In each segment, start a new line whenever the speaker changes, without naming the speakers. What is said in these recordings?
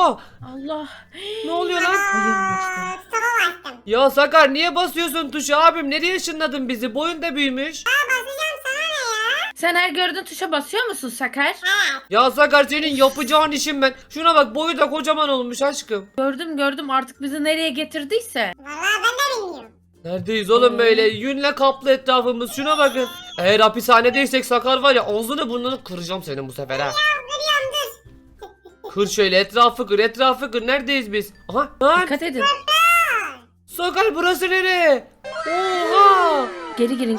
Oha!
Allah.
Ne oluyor lan?
Tava bastım.
Ya Sakar niye basıyorsun tuşa abim? Nereye ışınladın bizi? Boyun da büyümüş.
Basacağım sana ne ya?
Sen her gördüğün tuşa basıyor musun Sakar?
He.
Ya Sakar senin yapacağın işim ben. Şuna bak boyu da kocaman olmuş aşkım.
Gördüm artık bizi nereye getirdiyse.
Vallahi ben de bilmiyorum.
Neredeyiz oğlum böyle? Yünle kaplı etrafımız. Şuna bakın. Eğer hapishanedeysek Sakar var ya ağzını burnunu kıracağım senin bu sefer ha.
Kırıyorum dur.
Kır şöyle etrafı kır. Neredeyiz biz? Aha. Lan
Dikkat edin.
Sakar burası nere? Oha.
Geri girin.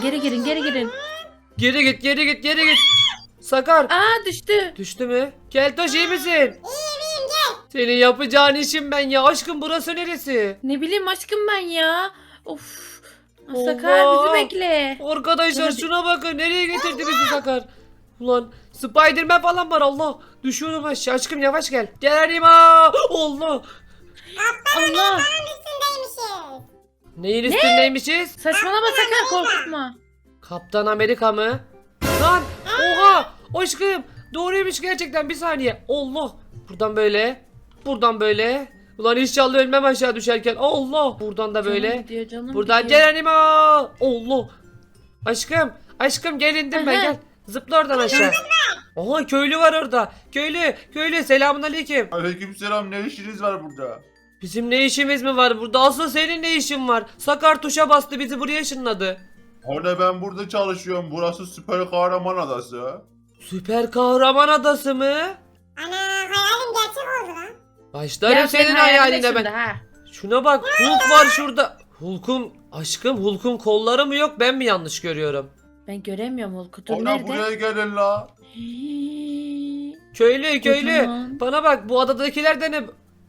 Geri git. Sakar.
Aa düştü.
Düştü mü? Keltoş iyi misin?
İyiyim gel.
Senin yapacağın işim ben ya. Aşkım burası neresi?
Ne bileyim aşkım ben ya. Of.
Allah.
Sakar bizi bekle.
Arkadaşlar
Hadi.
şuna bakın. Nereye getirdi bizi Sakar? Ulan Spiderman falan var Allah. Düşüyorum aşağı. Aşkım yavaş gel. Gel Arima. Allah.
Allah.
Üstündeymişiz.
Neyin üstündeymişiz?
Saçmalama Sakar korkutma.
Kaptan Amerika mı? Lan oha aşkım doğruymuş gerçekten bir saniye. Allah buradan böyle buradan böyle. Ulan inşallah ölmem aşağı düşerken. Allah buradan da böyle.
Canım gidiyor, canım
Buradan
gidiyor.
gel Anima. Allah. Aşkım gel indim ben
Aha.
gel. Zıpla oradan aşağı. Oha köylü var orada. Köylü selamünaleyküm.
Aleykümselam, ne işiniz var burada?
Bizim ne işimiz mi var burada? Asıl senin ne işin var? Sakar tuşa bastı bizi buraya ışınladı.
Hani ben burada çalışıyorum, burası süper kahraman adası.
Süper kahraman adası mı?
Ana hayalim gerçek oldu lan.
Başlarım
Ya
senin
senin
hayaline
şimdi
ben.
ha.
Şuna bak Hulk var şurada. Hulk'un kolları mı yok ben mi yanlış görüyorum?
Ben göremiyorum Hulk'u. Dur
Ana
nerede?
buraya gelin la.
Köylü
Kocaman.
bana bak bu adadakiler de ne?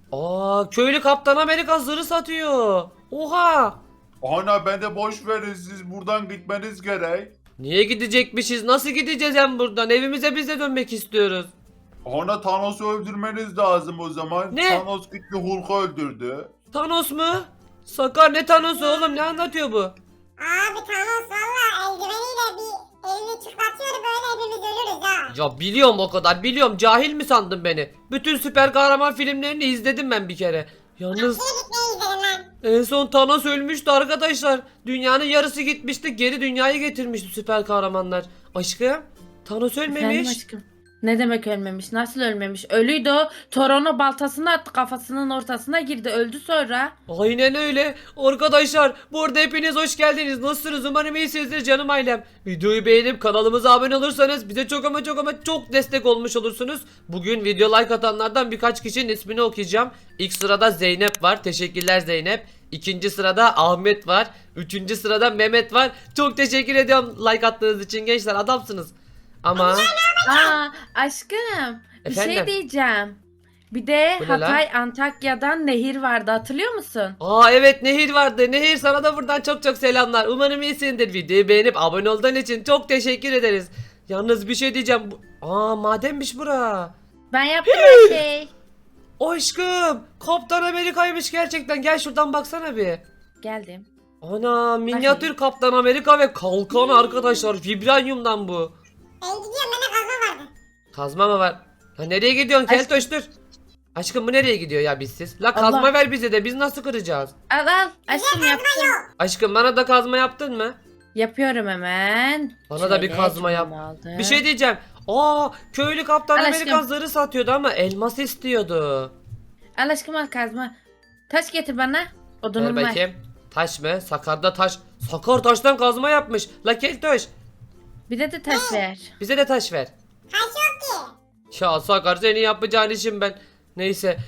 Aa köylü Kaptan Amerika zırhı satıyor. Oha.
Ana ben de boş verin, siz buradan gitmeniz gerek.
Niye gidecekmişiz? Nasıl gideceğiz hem buradan? Evimize biz de dönmek istiyoruz.
Ana Thanos'u öldürmeniz lazım o zaman.
Ne?
Thanos gitti Hulk'u öldürdü.
Thanos mu? Sakar ne Thanos'u oğlum ne anlatıyor bu?
Abi Thanos valla eldiveniyle bir elini çıkartıyor böyle hepimiz ölürüz ha.
Ya biliyorum o kadar biliyorum cahil mi sandın beni? Bütün süper kahraman filmlerini izledim ben bir kere. Yalnız
Nereye gitmeyi izledin lan?
en son Thanos ölmüştü arkadaşlar. Dünyanın yarısı gitmişti geri dünyayı getirmişti süper kahramanlar. Aşkım Thanos
Efendim
ölmemiş.
aşkım. Ne demek ölmemiş? Nasıl ölmemiş? Ölüydü o. Toron'u baltasını attı kafasının ortasına girdi. Öldü sonra.
Aynen öyle. Arkadaşlar bu arada hepiniz hoş geldiniz. Nasılsınız? Umarım iyisinizdir canım ailem. Videoyu beğenip kanalımıza abone olursanız bize çok ama çok destek olmuş olursunuz. Bugün video like atanlardan birkaç kişinin ismini okuyacağım. İlk sırada Zeynep var. Teşekkürler Zeynep. İkinci sırada Ahmet var. Üçüncü sırada Mehmet var. Çok teşekkür ediyorum like attığınız için gençler. Adamsınız. Ama
Aa aşkım. Bir
Efendim?
şey diyeceğim. Bir de
Bu ne lan?
Hatay Antakya'dan nehir vardı hatırlıyor musun?
evet Nehir vardı. Nehir sana da buradan çok selamlar. Umarım iyisindir. Videoyu beğenip abone olduğun için çok teşekkür ederiz. Yalnız bir şey diyeceğim. Madenmiş bura.
Ben yaptım her şey.
Aşkım Kaptan Amerika'ymış gerçekten. Gel şuradan baksana bir.
Geldim.
Ana minyatür Kaptan Amerika ve kalkan arkadaşlar. Vibranyumdan bu.
Ben gidiyorum bende kazma vardı.
Kazma mı var? Ha nereye gidiyorsun
Aşkım.
Keltoş dur. Aşkım bu nereye gidiyor ya bizsiz? La
Allah.
kazma ver bize de biz nasıl kıracağız?
Al aşkım yaptım.
Aşkım bana da kazma yaptın mı?
Yapıyorum hemen.
Bana da bir kazma yap.
şunu aldım.
Bir şey diyeceğim. Köylü Kaptan
Al
Amerika
aşkım.
zırhı satıyordu ama elmas istiyordu.
Al aşkım al kazma. Taş getir bana.
Ver
Odunum var.
bakayım. Taş mı? Sakar'da taş. Sakar taştan kazma yapmış. La Keltoş
Bir de taş ver.
bize de taş ver.
Taş yok ki.
Ya Sakar senin yapacağın işim ben. Neyse.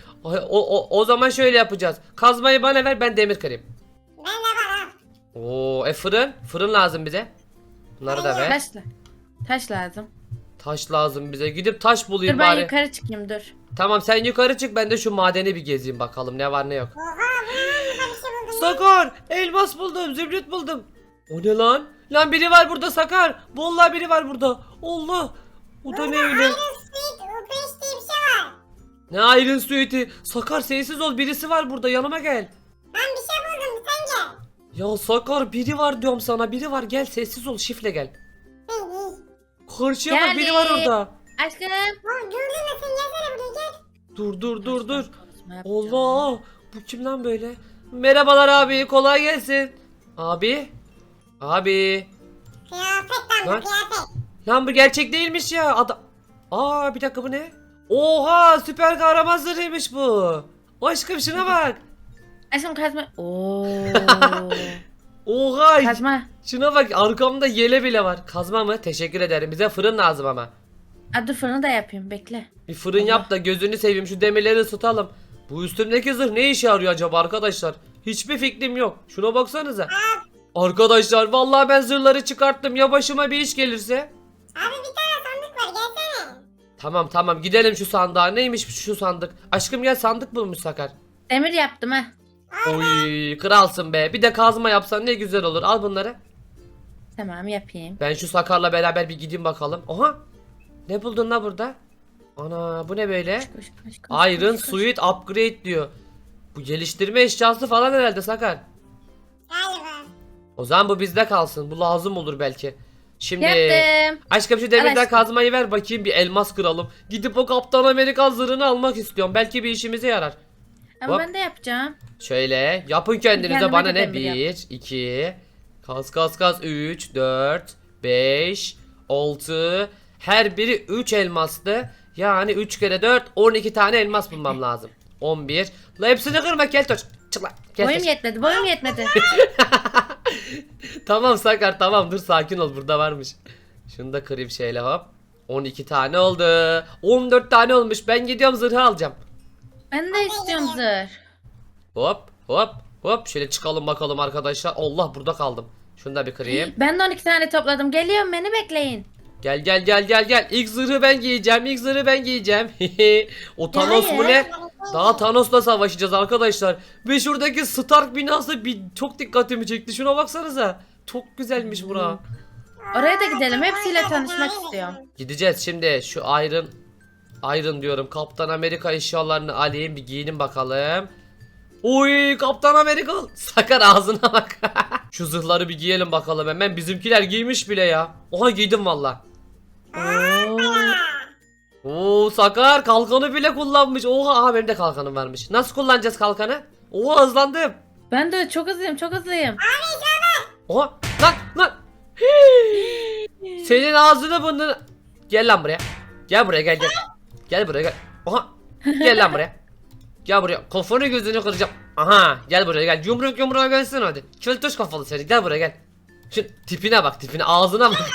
O zaman şöyle yapacağız. Kazmayı bana ver ben demir kırayım.
Ben de var ha.
Fırın. Fırın lazım bize. Bunları da ver.
Taş lazım.
Taş lazım bize. Gidip taş bulayım
Dur ben
bari.
yukarı çıkayım dur.
Tamam sen yukarı çık ben de şu madeni bir gezeyim bakalım ne var ne yok.
Oha bu ne bir şey buldum.
Sakar elmas buldum zümrüt buldum. O ne lan? Lan biri var burada Sakar. Vallahi biri var burada. Allah. O da ne öyle?
Iron Sweet Upeş diye bir şey var.
Ne Iron Suite'i? Sakar sessiz ol birisi var burada yanıma gel.
Ben bir şey buldum sen gel.
Ya Sakar biri var diyorum sana biri var gel sessiz ol şifle gel.
Hey, hey.
Karşıya bak biri var
Geldim.
orada.
Aşkım.
Oğlum gördün mü sen gelsene buraya gel.
Dur.
Kazma yapacağım.
Allah! Bu kim lan böyle? Merhabalar abi, kolay gelsin. Abi? Abi.
Kıyafet lan
Lan.
bu kıyafet.
Lan bu gerçek değilmiş ya. Aa, bir dakika, bu ne? Oha, süper kahraman zırhıymış bu. Aşkım şuna bak.
Aşkım kazma. Oo.
Oha.
Kazma.
Şuna bak, arkamda yele bile var. Kazma mı? Teşekkür ederim. Bize fırın lazım ama.
Dur fırını da yapayım bekle.
Bir fırın
Allah.
yap da gözünü seveyim, şu demirleri ısıtalım. Bu üstümdeki zırh ne işe yarıyor acaba arkadaşlar? Hiçbir fikrim yok. Şuna baksanıza. Arkadaşlar vallahi ben zırhları çıkarttım. Ya başıma bir iş gelirse?
Abi bir tane sandık var gelsene.
Tamam gidelim şu sandığa. Neymiş şu sandık? Aşkım gel, sandık bulmuş Sakar.
Demir yaptım ha.
Oy, kralsın be. Bir de kazma yapsan ne güzel olur. Al bunları.
Tamam yapayım.
Ben şu Sakar'la beraber bir gideyim bakalım. Oha. Ne buldun la burada? Ana, bu ne böyle?
Koş,
Iron
koş.
Suit Upgrade diyor. Bu geliştirme eşyası falan herhalde Sakar.
Galiba.
O zaman bu bizde kalsın. Bu lazım olur belki. Şimdi
Yaptım.
aşkım şu demirden
aşkım.
kazmayı ver bakayım, bir elmas kıralım. Gidip o Kaptan Amerika zırhını almak istiyorum. Belki bir işimize yarar.
Ama
Hop.
ben de yapacağım.
Şöyle yapın kendinize,
Kendime
bana
de
ne?
demir yap.
1, 2, kas 3, 4, 5, 6. Her biri 3 elmaslı. Yani 3 kere 4, 12 tane elmas bulmam lazım. 11. La hepsini kırma Keltoş. Çık lan.
Boyum yetmedi.
Tamam Sakar, tamam, dur sakin ol, burada varmış. Şunu da kırayım şeyle, hop. 12 tane oldu. 14 tane olmuş. Ben gidiyorum, zırhı alacağım.
Ben de istiyorum zırh.
Hop. Şöyle çıkalım bakalım arkadaşlar. Allah, burada kaldım. Şunu da bir kırayım.
Ben de 12 tane topladım. Geliyorum beni bekleyin.
Gel. İlk zırhı ben giyeceğim. O Thanos mu ne? Daha Thanos'la savaşacağız arkadaşlar. Ve şuradaki Stark binası çok dikkatimi çekti. Şuna baksanıza. Çok güzelmiş bura.
Oraya da gidelim. Hepsiyle tanışmak istiyorum.
Gideceğiz şimdi. Şu Iron diyorum. Kaptan Amerika eşyalarını alayım. Bir giyinim bakalım. Oy, Kaptan Amerika. Sakar ağzına bak. Şu zırhları bir giyelim bakalım hemen. Bizimkiler giymiş bile ya. Oha, giydim valla. Oo, Sakar kalkanı bile kullanmış. Oha, aha benim de kalkanım varmış. Nasıl kullanacağız kalkanı? Oha, hızlandım.
Ben de çok hızlıyım.
Oha, lan. Hii. Senin ağzını burnunu. Gel lan buraya. Gel buraya, gel. Gel buraya gel. Oha. Gel lan buraya. Gel buraya. Kafanı gözünü kıracağım. Aha, gel buraya gel. Yumruğa gelsin hadi. Çöltöş kafalı seni. Gel buraya gel. Şu tipine bak, tipine, ağzına bak.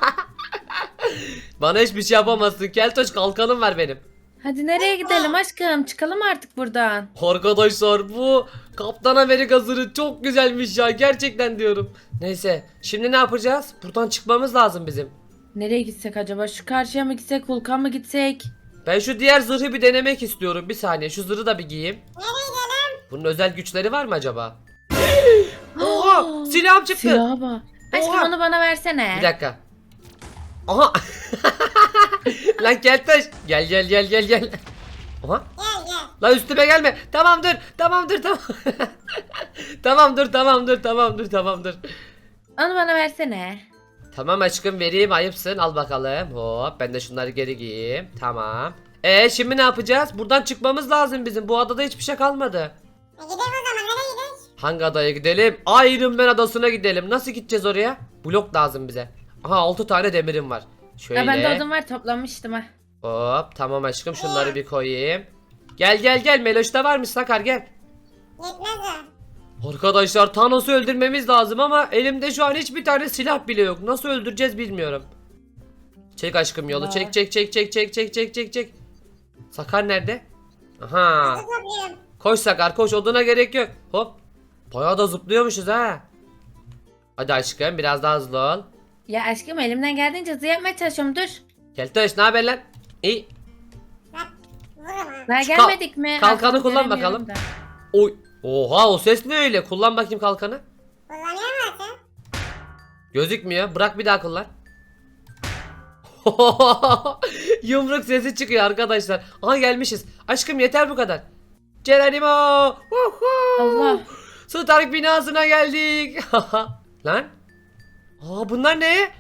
Bana hiçbir şey yapamazsın. Keltoş, kalkanım var benim.
Hadi nereye gidelim aşkım? Çıkalım artık buradan.
Arkadaşlar bu Kaptan Amerika zırhı çok güzelmiş ya, gerçekten diyorum. Neyse, şimdi ne yapacağız? Buradan çıkmamız lazım bizim.
Nereye gitsek acaba? Şu karşıya mı gitsek? Hulk'a mı gitsek?
Ben şu diğer zırhı bir denemek istiyorum. Bir saniye, şu zırhı da bir giyeyim. Bunun özel güçleri var mı acaba? Oha, silahım çıktı.
Silaha bak. Aşkım
Oha.
onu bana versene.
Bir dakika. Aha. Lan Keltoş, gel. Aha.
Gel.
La üstüme gelme. Tamam dur. Tamam. tamam dur.
Onu bana versene.
Tamam aşkım, vereyim, ayıpsın, al bakalım. Hop, ben de şunları geri giyeyim. Tamam. Şimdi ne yapacağız? Buradan çıkmamız lazım bizim. Bu adada hiçbir şey kalmadı.
Gidelim o zaman nereye gidiyoruz?
Hangi adaya gidelim? Iron Man adasına gidelim. Nasıl gideceğiz oraya? Blok lazım bize. Aha, 6 tane demirim var. Şöyle.
Ya ben de odun var toplamıştım ha.
Hop, tamam aşkım, şunları bir koyayım. Gel. Meloş'ta varmış Sakar, gel.
Yetmez o.
Arkadaşlar Thanos'u öldürmemiz lazım ama elimde şu an hiçbir tane silah bile yok. Nasıl öldüreceğiz bilmiyorum. Çek aşkım yolu.
Var.
Çek. Sakar nerede? Aha.
Topluyorum.
Koş Sakar, koş, oduna gerek yok. Hop. Bayağı da zıplıyormuşuz ha. Hadi aşkım, biraz daha hızlı ol.
Ya aşkım elimden geldiğince hızlı yapmaya çalışıyorum dur.
Keltoş, ne haber lan? İyi.
Bak vururum ha.
Daha
Şu
gelmedik mi?
kalkanı
Artık
kullan
göremiyorum
bakalım.
da.
Oy. Oha, o ses ne öyle? Kullan bakayım kalkanı.
Kullanıyor musun?
Gözükmüyor. Bırak, bir daha kullan. Yumruk sesi çıkıyor arkadaşlar. Aha, gelmişiz. Aşkım yeter bu kadar. Geronimo.
Allah.
Stark binasına geldik. Lan. Bunlar ne?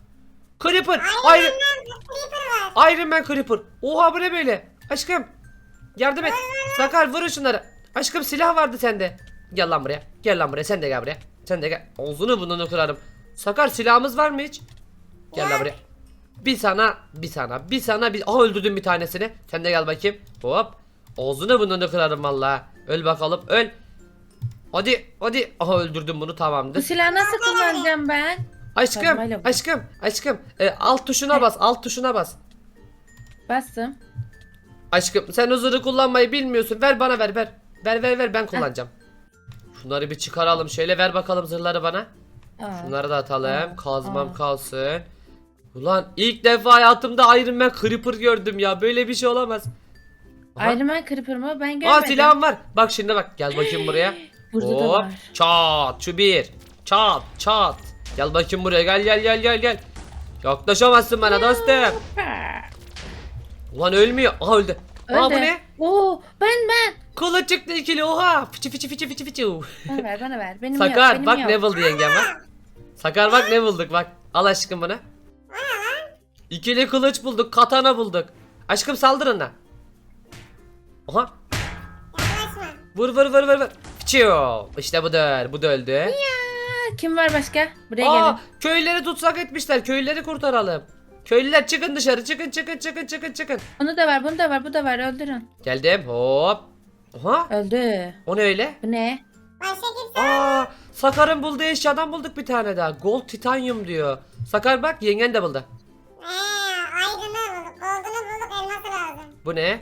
Creeper.
Creeper var.
Iron Man Creeper. Oha, bu ne böyle? Aşkım. Yardım et. Sakar vur şunları. Aşkım silah vardı sende. Gel lan buraya. Gel lan buraya. Sen de gel buraya. Sen de gel. Ağzını burnunu kırarım. Sakar silahımız var mı hiç? Gel lan buraya. Bir sana, bir sana, bir sana, bir... Aha öldürdüm bir tanesini. Sen de gel bakayım. Hop. Ağzını burnunu kırarım vallahi. Öl bakalım, öl. Hadi, hadi. Aha öldürdüm bunu,
Bu
tamamdır.
silahı nasıl kullanacağım ben?
Aşkım,
Sarmayla bu.
aşkım. Alt tuşuna bas, alt tuşuna bas.
Bastım.
Aşkım sen o zırhı kullanmayı bilmiyorsun. Ver bana ver. Ver ben kullanacağım. Şunları bir çıkaralım şöyle, ver bakalım zırhları bana.
Aa.
Şunları da atalım. Kazmam
Aa.
kalsın. Ulan ilk defa hayatımda Iron Man Creeper gördüm ya. Böyle bir şey olamaz. Aha.
Iron Man Creeper mı? Ben
Aa
görmedim.
silahım var. Bak şimdi bak. Gel bakayım buraya.
Burada da
Hop.
var.
Çat. Şu bir. Çat. Gel bakayım buraya. Gel. Yaklaşamazsın bana dostum. Ulan ölmüyor. Aha öldü. Aa bu
Öldü.
ne?
Oo, ben.
Kola çıktı ikili. Oha. Fıçı.
Bana ver. Benim
Sakar
yok, benim
bak
yok.
ne buldu yengem bak. Sakar bak ne bulduk bak. Al aşkım bunu. İkili kılıç bulduk. Katana bulduk. Aşkım saldırın da. Aha.
Yaklaşma.
Vur. Fıçıyor. İşte budur. Bu da öldü.
Aa, kim var başka? Buraya
Aa,
gelin.
köylüleri tutsak etmişler. Köylüleri kurtaralım. Köylüler çıkın dışarı. Çıkın.
Bunu da var, bu da var. Öldürün.
Geldim. Hop. Aha.
Öldü.
O ne öyle?
Bu ne?
Başka kimse
Aa, Sakar'ın bulduğu eşyadan bulduk bir tane daha. Gold titanyum diyor. Sakar bak yengen de buldu.
ayrını bulduk. Gold'unu bulduk. Elması lazım.
Bu ne?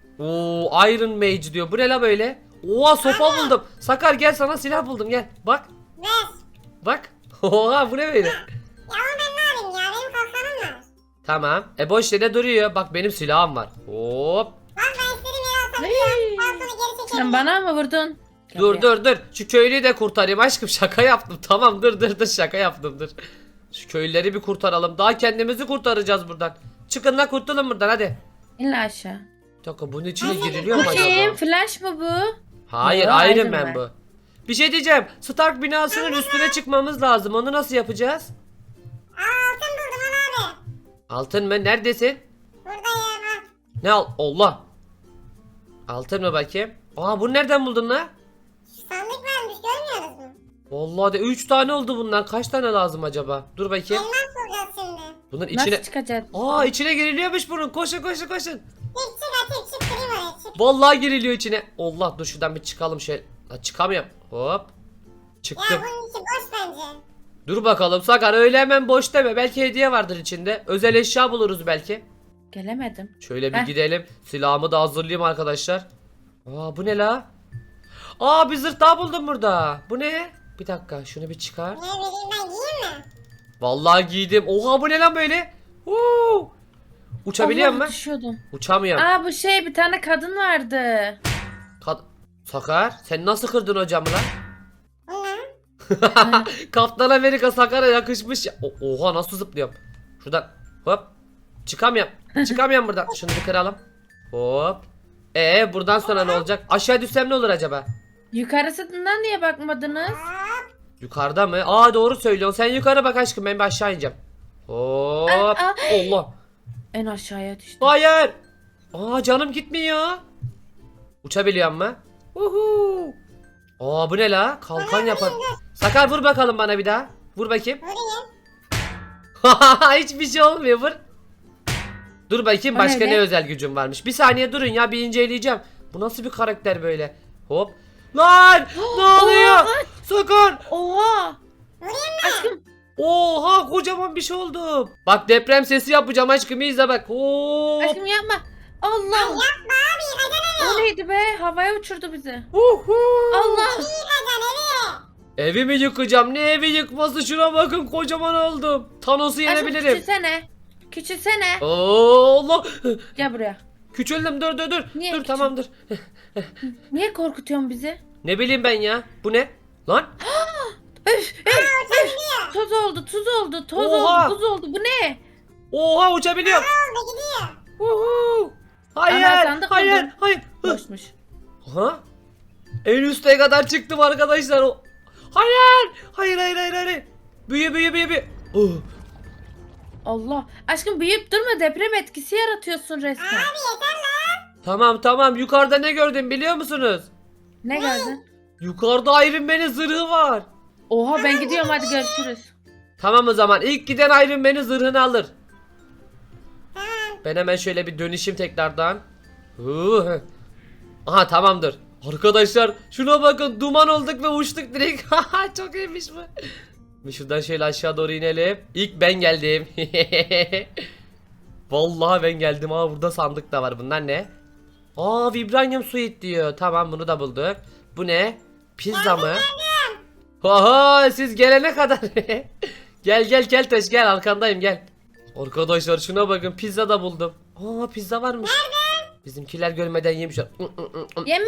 Oo, Iron Mage diyor. Bu ne la böyle? Oha sopa buldum. Sakar gel sana silah buldum gel. Bak.
Ver.
Bak. Oha bu ne böyle?
Ya onu ben ne yapayım ya? Benim kalkanım var.
Tamam. Boş yere duruyor. Bak benim silahım var. Hop.
Bak ben istediğim yere atabiliyorum. Kalkanı geri çekelim.
Sen bana mı vurdun? Gel
Dur
buraya.
dur. Şu köylüyü de kurtarayım aşkım. Şaka yaptım. Tamam dur şaka yaptım dur. Şu köylüleri bir kurtaralım. Daha kendimizi kurtaracağız buradan. Çıkın la kurtulun buradan hadi.
İn la aşağı.
Bir dakika bunun içine giriliyor mu
Bu
acaba?
kim? Flash mı bu?
Hayır
Yo,
Iron
Iron
Man
Man.
bu. Bir şey diyeceğim. Stark binasının üstüne çıkmamız lazım. Onu nasıl yapacağız?
Altın buldum al abi.
Altın mı? Neredesin?
Buradayım al.
Ne al? Allah. Altın mı bakayım? Aa bunu nereden buldun la?
Sandık varmış görmüyoruz mu?
Vallahi de 3 tane oldu bundan. Kaç tane lazım acaba? Dur bakayım.
Elmas bulacağız şimdi.
Bunun içine...
Nasıl çıkacağız?
Aa içine giriliyormuş bunun. Koşun.
Çık atayım çık kırayım oraya çık.
Vallahi giriliyor içine. Allah dur şuradan bir çıkalım şöyle. Ha, çıkamıyorum. Hop.
Ya
Çıktım.
bunun içi boş bence.
Dur bakalım Sakar öyle hemen boş deme. Belki hediye vardır içinde. Özel eşya buluruz belki.
Gelemedim.
Şöyle bir
Heh.
gidelim. Silahımı da hazırlayayım arkadaşlar. Aa bu ne la? Aa bir zırh daha buldum burada. Bu ne? Bir dakika şunu bir çıkar.
Ne bileyim ben giyeyim mi?
Vallahi giydim. Oha bu ne lan böyle? Huu. Uçabiliyor
Allah,
mu?
düşüyordum.
Uçamıyorum.
Aa bu şey bir tane kadın vardı.
Sakar sen nasıl kırdın hocamı lan?
Bu ne?
Kaptan Amerika Sakar'a yakışmış ya. Oha nasıl zıplıyorum? Şuradan hop. Çıkamıyorum buradan. Şunu bir kıralım. Hop. Buradan sonra ne olacak? Aşağı düşsem ne olur acaba?
Yukarısından niye bakmadınız?
Hop.
Yukarıda mı? Aa doğru söylüyorsun. Sen yukarı bak aşkım ben bir aşağı ineceğim. Hop.
Aa.
Allah.
En aşağıya düştüm.
Hayır. Aa canım gitmiyor. Uçabiliyor mu? Uhu. Aa bu ne la? Kalkan yapar. Sakar vur bakalım bana bir daha. Vur bakayım.
Vurayım.
Hiçbir şey olmuyor vur. Dur bakayım
O
başka
ne
ne
be?
özel gücüm varmış. Bir saniye durun ya bir inceleyeceğim. Bu nasıl bir karakter böyle? Hop. Lan ne oluyor? Sakar.
Oha!
Vurayım mı?
Aşkım
Oha kocaman bir şey oldu. Bak deprem sesi yapacağım aşkım izle bak. Hop.
aşkım yapma. Allah!
Yapma abi yıkacaksın
O neydi be? Havaya uçurdu bizi.
Uhu.
Allah!
yıkacaksın evi.
Evimi yıkacağım. Ne evi yıkması şuna bakın kocaman oldum. Thanos'u
Aşkım
yenebilirim.
küçülsene. Küçülsene.
Oo, Allah.
Gel buraya.
Küçüldüm dur.
Niye
Dur
küçül-
tamam dur.
Niye korkutuyorsun bizi?
Ne bileyim ben ya. Bu ne? Lan.
Toz oldu, tuz oldu, toz
Oha!
oldu, buz oldu. Bu ne?
Oha uçabiliyorum.
Oldu gidiyor.
Uhu. Hayır.
Ana, sandık
Hayır.
buldum.
Hayır. Hı.
Boşmuş.
Aha. En üste kadar çıktım arkadaşlar. Hayır. Büyü.
Allah. Aşkım büyüyüp durma, deprem etkisi yaratıyorsun resmen.
Abi yeter lan.
Tamam tamam, yukarıda ne gördüm biliyor musunuz?
Ne gördün?
Yukarıda Iron Man'in zırhı var.
Oha ben gidiyorum hadi görüşürüz.
Tamam o zaman ilk giden Iron Man'in zırhını alır.
Tamam.
Ben hemen şöyle bir dönüşeyim tekrardan. Aha tamamdır. Arkadaşlar şuna bakın, duman olduk ve uçtuk direkt. Çok iyiymiş bu. Bir şuradan şöyle aşağı doğru inelim. İlk ben geldim. Vallahi ben geldim. Aa burada sandık da var. Bunlar ne? Aa vibranium suit diyor. Tamam bunu da bulduk. Bu ne? Pizza mı? Oha siz gelene kadar. Gel gel gel taş gel, arkandayım gel. Arkadaşlar şuna bakın, pizza da buldum. Aa pizza varmış. Bizimkiler görmeden yemişler.
Yeme.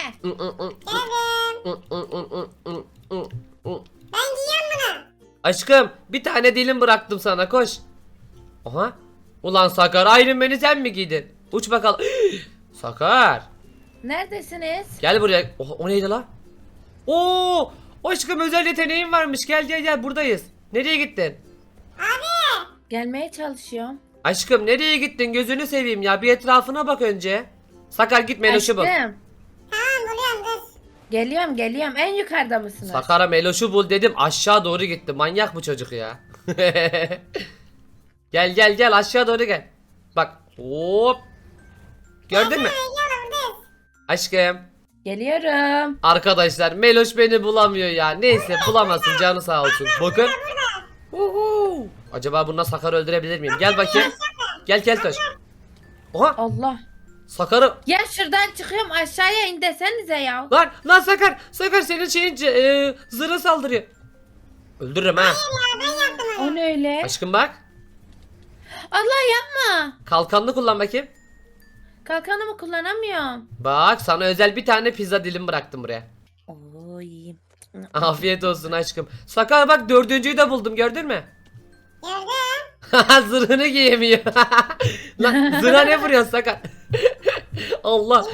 Ben giyiyorum bunu.
Aşkım bir tane dilim bıraktım sana, koş. Aha. Ulan Sakar, Iron Man'i sen mi giydin? Uç bakalım. Sakar.
Neredesiniz?
Gel buraya. O neydi la? Oo! Aşkım özel yeteneğin varmış. Gel gel gel, buradayız. Nereye gittin?
Gelmeye çalışıyorum.
Aşkım nereye gittin? Gözünü seveyim ya. Bir etrafına bak önce. Sakar git Meloş'u bul.
Aşkım.
Tamam buluyorum dur.
Geliyorum. En yukarıda mısınız?
Sakar'a Meloş'u bul dedim, aşağı doğru gitti. Manyak bu çocuk ya. Gel gel gel, aşağı doğru gel. Bak hop. Gördün mü?
Geliyorum dur.
Aşkım.
Geliyorum.
Arkadaşlar Meloş beni bulamıyor ya. Neyse bulamasın, canı sağ olsun. Bakın. Uhu. Acaba bununla Sakar'ı öldürebilir miyim? Gel bakayım. Gel gel taş. Oha
Allah.
Sakar'ı.
Ya şuradan çıkıyorum aşağıya in desenize ya.
Lan Sakar. Sakar senin şeyin zırhı saldırıyor. Öldürürüm ha.
Ya ben yaptım onu.
O ne öyle?
Aşkım bak.
Allah yapma.
Kalkanını kullan bakayım.
Kalkanımı kullanamıyorum.
Bak sana özel bir tane pizza dilim bıraktım buraya.
Oy.
Afiyet olsun aşkım. Sakar bak, dördüncüyü de buldum, gördün mü?
Gördüm.
Zırhını giyemiyor. Lan zırha ne vuruyorsun Sakar? Allah.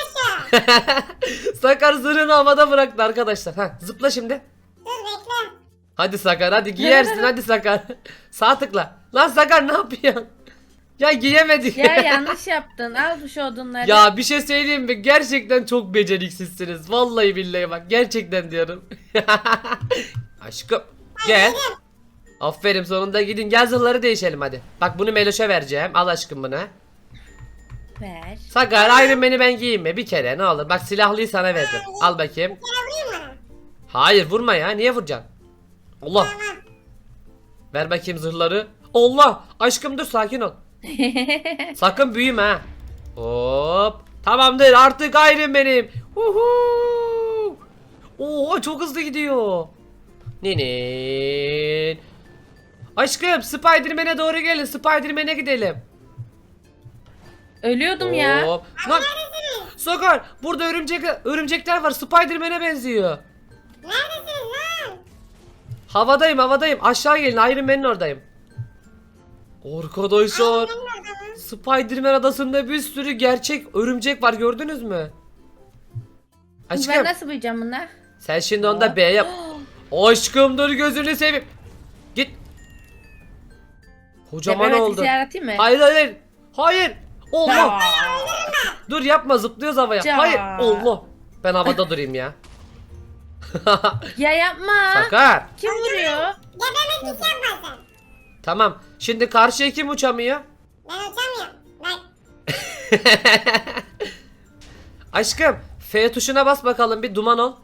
Sakar zırhını havada bıraktı arkadaşlar. Ha, zıpla şimdi.
Dur bekle.
Hadi Sakar hadi giyersin hadi Sakar. Sağ tıkla. Lan Sakar ne yapıyorsun? Ya giyemedik.
Ya yanlış yaptın. Al şu odunları.
Ya bir şey söyleyeyim mi? Gerçekten çok beceriksizsiniz. Vallahi billahi bak, gerçekten diyorum. Aşkım gel. Aferin, sonunda gidin, gel zırhları değişelim hadi. Bak bunu Meloş'a vereceğim. Al aşkım bunu.
Ver.
Sakar Iron Man'i ben giyeyim mi? Bir kere ne olur. Bak silahlıyı sana verdim. Al bakayım.
Bir kere vurayım mı?
Hayır vurma ya. Niye vuracaksın? Allah.
Tamam.
Ver bakayım zırhları. Allah. Aşkım dur, sakin ol. Sakın büyüme ha. Hop. Tamamdır, artık Iron Man'im. Uhu. Oo çok hızlı gidiyor. Ninin. Aşkım Spider-Man'e doğru gelin. Spider-Man'e gidelim.
Ölüyordum ya.
Hop. Lan. Sakar burada örümcekler var. Spider-Man'e benziyor.
Neredesiniz lan?
Havadayım. Aşağı gelin, Iron Man'in oradayım. Arkadaşlar
Benim orada mı?
Spider-Man adasında bir sürü gerçek örümcek var, gördünüz mü?
Ben
Aşkım
nasıl bulacağım bunlar?
sen şimdi onda B yap. Aşkım dur, gözünü seveyim. Git. Kocaman
Tepeme
oldu.
yaratayım mı?
Hayır. Hayır. Allah.
Ya.
Dur yapma, zıplıyoruz havaya.
Ya.
Hayır. Allah. Ben havada durayım ya.
Ya yapma.
Sakar.
Kim vuruyor?
Gebermek hiç yapmasın.
Tamam. Şimdi karşıya kim uçamıyor?
Ben uçamıyorum. Bak.
Aşkım F tuşuna bas bakalım, bir duman ol.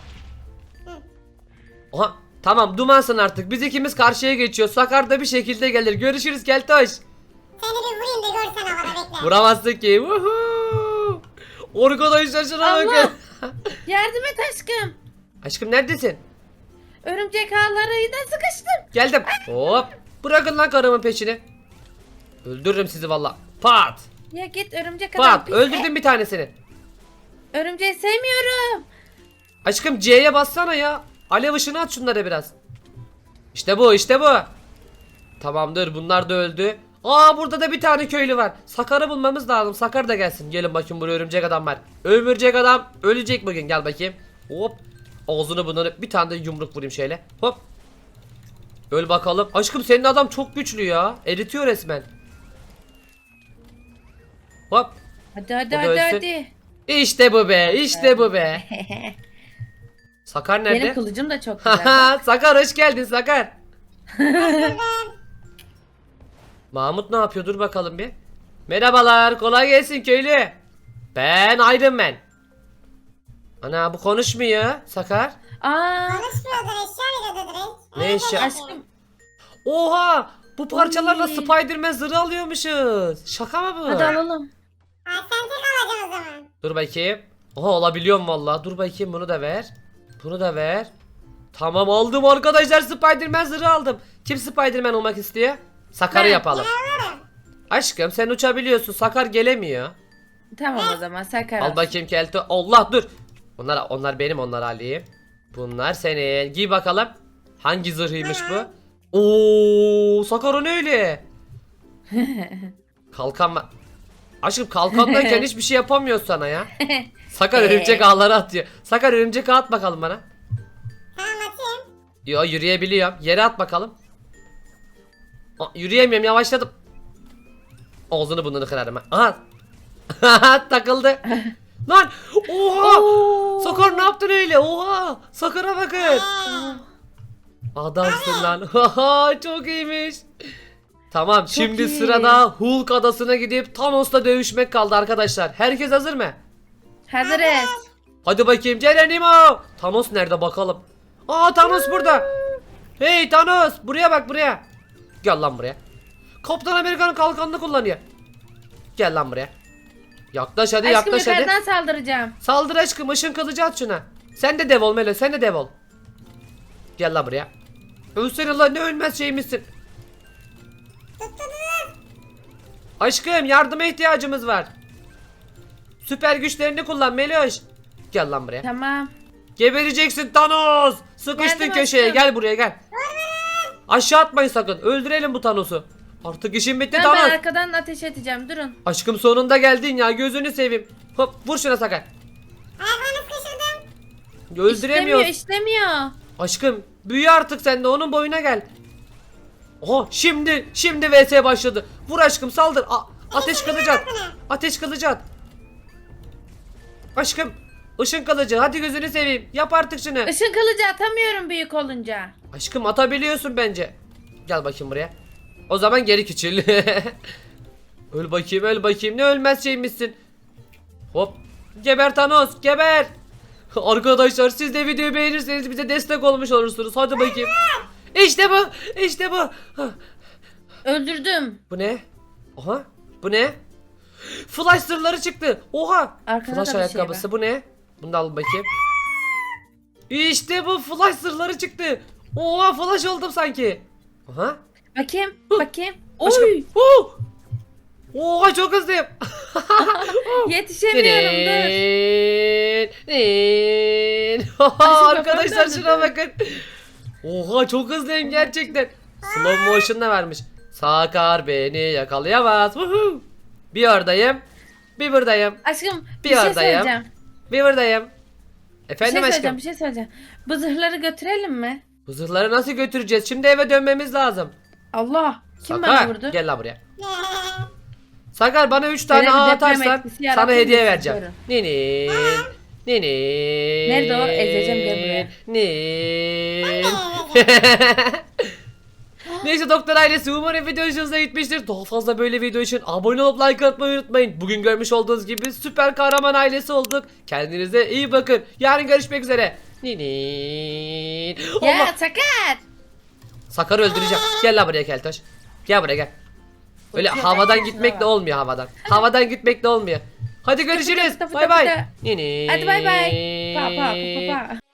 Aha tamam, dumansın artık. Biz ikimiz karşıya geçiyoruz. Sakar da bir şekilde gelir. Görüşürüz Keltoş.
Seni bir vurayım da görsen havada bekle.
Vuramazsın ki. Woohoo! Arkadaşlar şuna
Allah!
bakın.
Yardım et aşkım.
Aşkım neredesin?
Örümcek ağlarıyla sıkıştım.
Geldim. Hop. Bırakın lan karımın peşini. Öldürürüm sizi valla. Pat.
Ya git örümcek adam.
Pat.
pis.
Öldürdüm bir tanesini.
Örümceği sevmiyorum.
Aşkım C'ye bassana ya. Alev ışını at şunlara biraz. İşte bu. Tamamdır, bunlar da öldü. Aa burada da bir tane köylü var. Sakar'ı bulmamız lazım. Sakar da gelsin. Gelin bakayım, buraya örümcek adam var. Örümcek adam ölecek bugün, gel bakayım. Hop. Ağzını bunları bir tane de yumruk vurayım şöyle. Hop. Öl bakalım. Aşkım senin adam çok güçlü ya. Eritiyor resmen. Hop.
Hadi hadi
O da
hadi
ölsün.
hadi.
İşte bu be. İşte bu be. Sakar
Benim
nerede?
kılıcım da çok güzel.
Sakar hoş geldin Sakar. Mahmut ne yapıyor? Dur bakalım bir. Merhabalar, kolay gelsin köylü. Ben Iron Man. Ana bu konuşmuyor Sakar.
Aa,
Konuşmuyordur, eşya veriyordu direkt.
Ne eşya?
aşkım.
Oha! Bu parçalarla
Oy.
Spider-Man zırhı alıyormuşuz. Şaka mı bu?
Hadi alalım.
Ha, sen tek alacaksın o zaman.
Dur bakayım. Oha alabiliyorum vallahi. Dur bakayım bunu da ver. Bunu da ver. Tamam aldım arkadaşlar, Spider-Man zırhı aldım. Kim Spider-Man olmak istiyor? Sakar'ı
Ben.
yapalım. Aşkım sen uçabiliyorsun. Sakar gelemiyor.
Tamam o zaman Sakar.
Al bakayım kelto. Allah dur. Onlar benim, onları alayım. Bunlar senin. Giy bakalım. Hangi zırhıymış bu? Oo, Sakar o ne öyle? Kalkan var. Aşkım kalkandayken hiçbir şey yapamıyor sana ya. Sakar örümcek ağları atıyor. Sakar örümcek ağ at bakalım bana.
Tamam atayım.
Yo yürüyebiliyorum. Yere at bakalım. Aa, yürüyemiyorum, yavaşladım. Ağzını burnunu kırarım ha. Aha takıldı. Lan oha.
Oo.
Sakar ne yaptın öyle? Oha. Sakar'a bakın. Adamsın lan. Haha çok iyiymiş. Tamam şimdi
iyi.
sırada Hulk adasına gidip Thanos'la dövüşmek kaldı arkadaşlar. Herkes hazır mı?
Hazırız.
Hadi bakayım Geronimo. Thanos nerede bakalım? Aa Thanos burada. Hey Thanos buraya bak buraya. Gel lan buraya. Kaptan Amerika'nın kalkanını kullanıyor. Gel lan buraya. Yaklaş hadi,
Aşkım
yaklaş hadi.
yukarıdan saldıracağım.
Saldır aşkım, ışın kılıcı at şuna. Sen de dev ol Melo, sen de dev ol. Gel lan buraya. Ölsene lan, ne ölmez şeymişsin. Aşkım yardıma ihtiyacımız var. Süper güçlerini kullan Meloş. Gel lan buraya.
Tamam.
Gebereceksin Thanos. Sıkıştın
Geldim
köşeye,
aşkım.
gel buraya gel. Aşağı atmayın sakın, öldürelim bu Thanos'u. Artık işim bitti
Ben
Thanos.
arkadan ateş edeceğim. Durun.
Aşkım sonunda geldin ya, gözünü seveyim. Hop vur şuna Sakar.
Ayaklarını sıkıştırdım.
Öldüremiyoruz.
İşlemiyor.
Aşkım büyü artık sen de, onun boyuna gel. Oha şimdi vs başladı. Vur aşkım, saldır. Ateş kılıcı at. Ateş kılıcı at. Aşkım ışın kılıcı, hadi gözünü seveyim. Yap artık şunu.
Işın kılıcı atamıyorum büyük olunca.
Aşkım atabiliyorsun bence. Gel bakayım buraya. O zaman geri küçül. Öl bakayım, öl bakayım. Ne ölmez şeymişsin. Hop. Geber Thanos, geber. Arkadaşlar siz de videoyu beğenirseniz bize destek olmuş olursunuz. Hadi bakayım. İşte bu. İşte bu.
Öldürdüm.
Bu ne? Oha. Bu ne? Flash zırhları çıktı. Oha.
Arkada
Flash
da bir şey
ayakkabısı
var.
bu ne? Bunu da al bakayım. İşte bu flash zırhları çıktı. Oha flash oldum sanki. Aha.
Bakayım. Bakayım.
Aşkım.
Oy.
Oh! Oha çok hızlıyım.
Yetişemiyorum dur.
Arkadaşlar
kafanı
şuna
döndür.
bakın. Oha çok hızlıyım gerçekten. Slow motion da vermiş. Sakar beni yakalayamaz. Woohoo. Bir oradayım. Bir buradayım.
Aşkım
Bir
bir şey
oradayım.
söyleyeceğim.
Bir buradayım.
Bir
Efendim
şey
aşkım.
söyleyeceğim. Bir şey söyleyeceğim. Bu zırhları götürelim mi?
Bu zırhları nasıl götüreceğiz? Şimdi eve dönmemiz lazım.
Allah. Kim
Sakar,
bana vurdu?
gel la buraya. Sakar bana 3 tane
Böyle bir
ağ
deprem
atarsan
etkisi
sana
yaratır
hediye
mısın?
vereceğim.
Buyurun.
Nini. Nini.
Nerede o? Ezeceğim, gel buraya.
Nin. Neyse doktor ailesi, umarım video hoşunuza gitmiştir. Daha fazla böyle video için abone olup like atmayı unutmayın. Bugün görmüş olduğunuz gibi süper kahraman ailesi olduk. Kendinize iyi bakın. Yarın görüşmek üzere. Nini. Allah.
Ya Sakar.
Sakar'ı öldüreceğim. Gel la buraya Keltoş. Gel buraya gel. Öyle
Uçuyor,
havadan
kaçıyor.
gitmekle olmuyor havadan. Havadan gitmekle olmuyor. Hadi görüşürüz.
fıtı fıtı
Bay bay.
fıtı.
Nini.
Hadi bay bay. Pa pa pa pa pa.